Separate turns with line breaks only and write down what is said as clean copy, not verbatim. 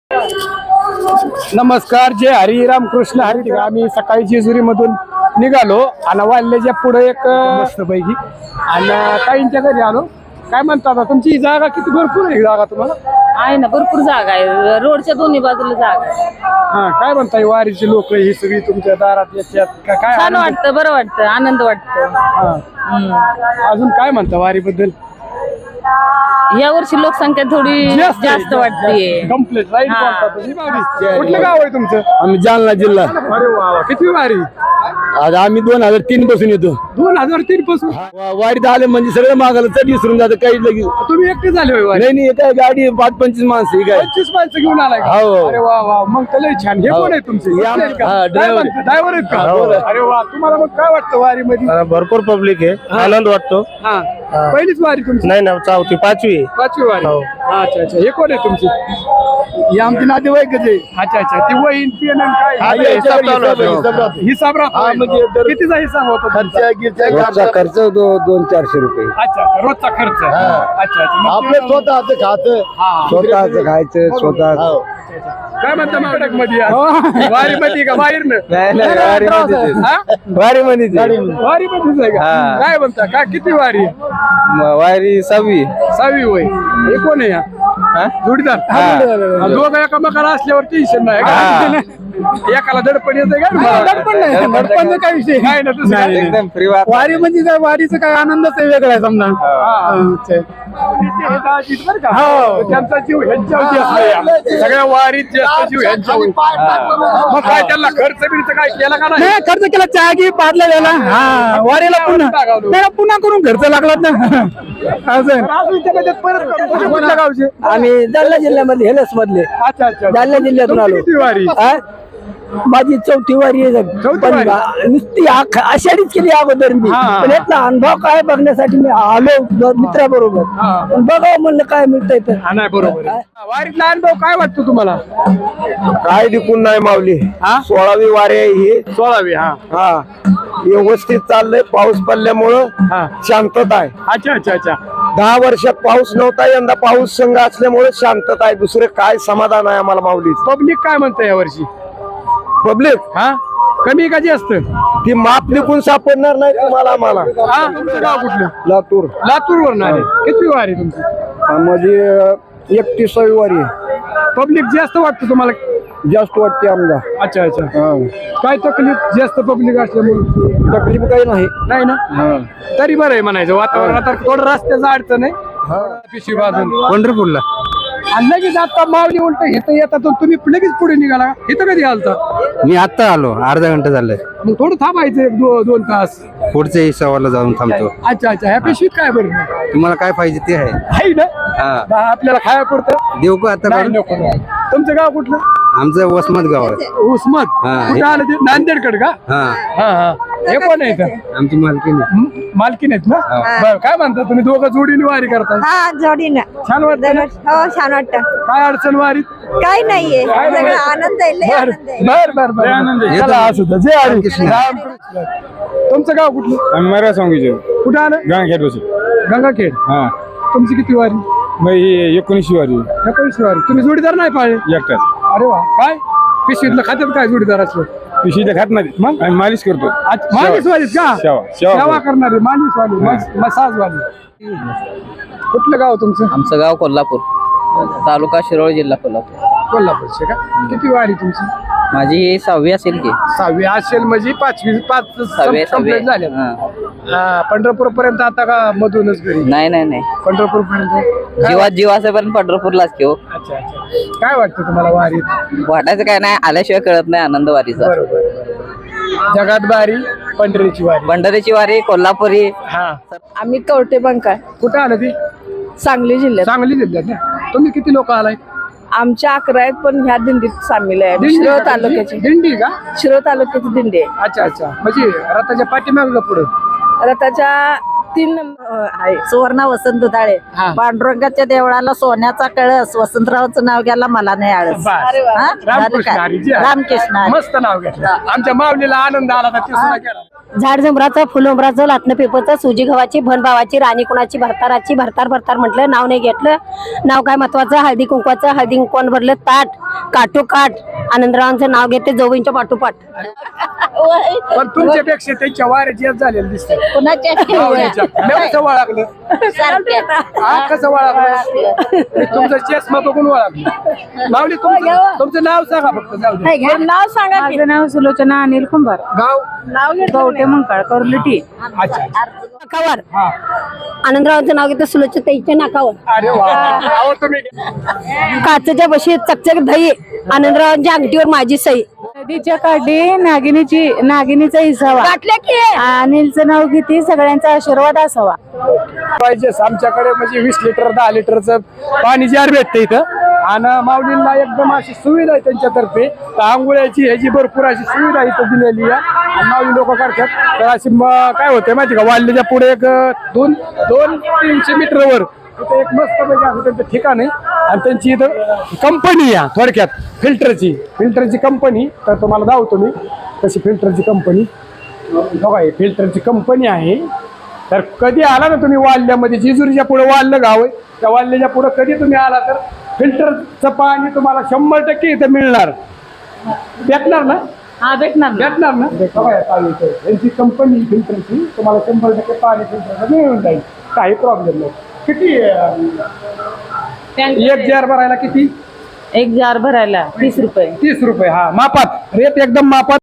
नमस्कार, जय हरिराम कृष्ण हरी. आम्ही सकाळी जेजुरी मधून निघालो आणि वाल्ल्याच्या पुढे एक मस्त पैकी आणि काहींच्या घरी आलो. काय म्हणता आता तुमची जागा किती भरपूर आहे जागा तुम्हाला?
आहे ना, भरपूर जागा आहे, रोडच्या दोन्ही बाजूला जागा आहे.
हा, काय म्हणताय वारीची लोक ही सगळी तुमच्या दारात येतात का? काय
छान वाटतं, बरं वाटतं, आनंद वाटतो.
अजून काय म्हणता वारी बद्दल?
या वर्षी लोकसंख्या थोडी जास्त वाटते.
Complete right. कुठलं गाव आहे तुमचं?
आम्ही जालना जिल्हा.
अरे वा, किती वारी?
आज आम्ही 2003 पासून येतो.
2003 पासून
वारीत आले म्हणजे सगळं मागायला चढ विसरून जातं काही लगेच.
तुम्ही एकटे झाले होय वारी?
नाही काय गाडी 5-25 माणसं काय
25 माणसं घेऊन आलाय का?
हो.
अरे वा वा, मग तर लय छान. हे कोण आहे तुमचे? ड्रायव्हर आहेत का? अरे वा, तुम्हाला मग काय वाटतं वारी मध्ये?
भरपूर पब्लिक आहे, आनंद वाटतो.
हा, पहिलीच वारी तुमची?
नाही ना, 4थी 5वी.
5वी वारी. अच्छा अच्छा. हे कोण आहे तुमची?
ही आमची नातेवाईकच आहे.
अच्छा अच्छा. ती वहीन पेन काय हिसाब राहतो? कितीचा हिसाब होतो?
रोजचा खर्च 200-400 रुपये.
अच्छा अच्छा, रोजचा खर्च. अच्छा अच्छा.
आपलं स्वतःच खायचं, स्वतःच खायचं, स्वतः.
काय म्हणता माकडक मध्ये वारी मध्ये का बाहेर?
वारी मध्ये
वारी मध्येच आहे का? काय म्हणता काय किती वारी?
वारी 6वी
वय. हे कोण आहे? जोडीदार. दोघं एकामेकाला असल्यावर टेन्शन नाही का? एकाला दडपण येते का? दडपण नाही, दडपण काय विषय काय ना. तसं
एकदम फ्री.
वारी म्हणजे काय, वारीचं काय आनंदच आहे वेगळा आहे समजा. त्यांचा जीव ह्यांच्यावरती असतो. सगळ्या वारीत जास्त जीव ह्यांच्यावर. मग काय त्यांना खर्च बिर्च काय केला का नाही?
खर्च केला, चहा घे पाडला गेला. हा, वारीला पुन्हा करून खर्च लागला ना.
कुठल्या गावचे?
आम्ही जालना जिल्ह्यामधले, हेलस मधले.
अच्छा अच्छा.
जालना जिल्ह्यातून आलो.
किती वारी?
माझी 4थी वारी आहे.
चौथी वारी?
नुसती आषाढीच केली अगोदर मी, पण यातला अनुभव काय बघण्यासाठी मी आलो मित्राबरोबर. पण बघावं म्हणलं काय मिळतंय तर.
नाही, बरोबर आहे. वारीतला अनुभव काय वाटतो तुम्हाला?
काय दिकून नाही मावली. 16वी वारी आहे ही.
16वी.
हा, व्यवस्थित चाललंय. पाऊस पडल्यामुळं शांतता आहे.
अच्छा अच्छा अच्छा.
10 वर्षात पाऊस नव्हता, यंदा पाऊस संघ असल्यामुळे शांतता आहे. दुसरे काय समाधान आहे आम्हाला माऊली.
पब्लिक काय म्हणतं या वर्षी?
पब्लिक
कमी का जास्त?
ती माप लिखून सापडणार नाही तुम्हाला आम्हाला.
तुमचं गाव कुठलं?
लातूर.
लातूर वरून आले. किती वारी तुमची?
म्हणजे 31वी वारी आहे.
पब्लिक जास्त वाटतं तुम्हाला?
जास्त वाटते आमला.
अच्छा अच्छा. काय तकलीफ जास्त पब्लिक असल्यामुळे?
तकलीफ काही नाही.
नाही ना, तरी बरं आहे म्हणायचं. वातावरण आता थोडं रस्त्याचं अडचण आहे. पिशवी बाजून
पंढरपूरला
आणि लगेच आता मावली उलट इथं येतात तुम्ही लगेच पुढे निघाला. इथं कधी घालता?
मी आता आलो, अर्धा घंटा झालाय.
मग थोडं थांबायचं 2 तास.
पुढच्या सवाला जाऊन थांबतो.
अच्छा अच्छा. ह्या पिशवीत काय बरं?
तुम्हाला काय पाहिजे ते आहे.
आहे ना, आपल्याला खाया पुरतं
देऊ का आता?
नको. तुमचं गाव कुठलं?
आमचं वसमत गाव आहे.
उस्मत. कुठं आलं ते? नांदेडकड का?
हा.
हे कोण आहे इथं?
आमची मालकीण.
मालकीण आहेत ना? बरं. काय म्हणता तुम्ही दोघं जोडीने वारी करताय?
हा, जोडीनं.
छान वाटतं ना?
हो, छान वाटतं.
काय अडचण वारीत?
काही नाहीये, सगळं आनंद आहे, लय आनंद आहे.
चला, असू द्या. जय हरी रामकृष्ण. तुमचं गाव कुठलं?
मरा सांगू
कुठं आलं? गंगाखेड. तुमची किती वारी?
19वी वारी.
19वी वारी. तुम्ही जोडीदार नाही पाहिले?
एकटाच.
अरे वा. काय पिशवीतलं खात्यात काय जोडीदार असलं?
पिशवी खात नाही, मग आम्ही मालिश करतो.
मालिश वालीत का? सेवा करणारी मालिश वाली, मसाज वाली. कुठलं गाव तुमचं?
आमचं गाव कोल्हापूर, तालुका शिरोळ, जिल्हा कोल्हापूर.
कोल्हापूरचे का? किती वारी तुमची?
माझी 6वी असेल की.
6वी असेल म्हणजे 5
6वी
कंप्लीट झाले. पंढरपूर पर्यंत आता का मधूनच घरी?
नाही,
पंढरपूर पर्यंत
जीव असेपर्यंत पंढरपूरलाच घेऊ.
अच्छा अच्छा. काय वाटतं तुम्हाला वारीत?
वाटायचं काय नाही, आल्याशिवाय कळत नाही आनंद वारीचा.
बरोबर. जगात बारी पंढरीची वारी.
पंढरीची वारी कोल्हापुरी.
आम्ही कवटे बंका,
कुठं आलं ती?
सांगली जिल्ह्यात.
सांगली जिल्ह्यात ना. तुम्ही किती लोक आलाय?
आमच्या 11 आहेत, पण ह्या दिंडीत सामील आहे. शिरोळ तालुक्याची
दिंडी का?
शिरोळ तालुक्याची दिंडी आहे.
अच्छा अच्छा. म्हणजे रथाच्या पाठीमाग पुढं
रथाच्या 3 नंबर आहे. सुवर्णा वसंत दुधाळे. पांडुरंगाच्या देवळाला सोन्याचा कळस, वसंतरावचं नाव घ्यायला मला नाही आळस.
रामकृष्ण हरी.
रामकृष्ण.
मस्त नाव घेतलं. आमच्या माऊलीला आनंद आला तर ते सुद्धा केला.
झाड झुंबराचं फुलुंबराचं लाटणं पेपरचं सुजी गव्हाची भनभावाची राणी कुणाची भरताराची भरतार भरतार म्हटलं नाव नाही घेतलं. नाव काय महत्वाचं हळदी कुंकवाचं हळदी कुंकवान भरलं ताट काठोकाठ आनंदरावांचं नाव घेते जवळच्या पाठोपाठ.
पण तुमच्यापेक्षा त्यांच्या वाऱ्याची झालेली दिसते
कुणाच्या
कसं वळागलं कसं वळागलं तुमचं चष्मा बघून वळागलं. माऊली तुमचं नाव सांगा फक्त. जाऊ दे.
नाव सांगा की.
माझं नाव सुलोचना अनिल कुंभार,
गाव
नाव
कवटे मंकाळ, करुलटी.
अच्छा.
नाकावर आनंदरावांचं नाव घेते सुलोचताईच्या नाकावर.
अरे वा अहो, तुम्ही
काचेच्या बशीत चकचक दही आनंदरावांच्या अंगठीवर माझी सई.
नदीच्या काठी नागिनीचा इसावा,
वाटलं की
अनिलचं नाव किती सगळ्यांचा आशीर्वाद असावा.
पाहिजे आमच्याकडे म्हणजे 20 लिटर 10 लिटरचं पाणी जार भेटतं इथं. आणि माऊलींना एकदम अशी सुविधा आहे त्यांच्यातर्फे तर आंघोळ्याची ह्याची भरपूर अशी सुविधा इथं दिलेली आहे. आणि माऊली लोक करतात तर अशी काय होते माहिती का वाल्ल्याच्या पुढे एक 200-300 मीटरवर तिथे एक मस्त पैकी असं त्यांचं ठिकाण आहे. आणि त्यांची इथं कंपनी आहे थोडक्यात फिल्टरची कंपनी. तर तुम्हाला दावतो मी तशी फिल्टरची कंपनी बघा. फिल्टरची कंपनी आहे. तर कधी आला ना तुम्ही वाल्ल्यामध्ये जेजुरीच्या पुढे वाल्लं गाव आहे त्या वाल्ल्याच्या पुढे कधी तुम्ही आला तर फिल्टरचं पाणी तुम्हाला 100% इथं मिळणार. भेटणार ना?
हा भेटणार
ना? बघा यांची कंपनी फिल्टरची तुम्हाला 100% पाणी फिल्टरचं मिळून जाईल. काही प्रॉब्लेम नाही. किती एक जार भरायला किती?
एक जार भरायला 30 रुपये.
30 रुपये. हा मापात रेट एकदम मापात.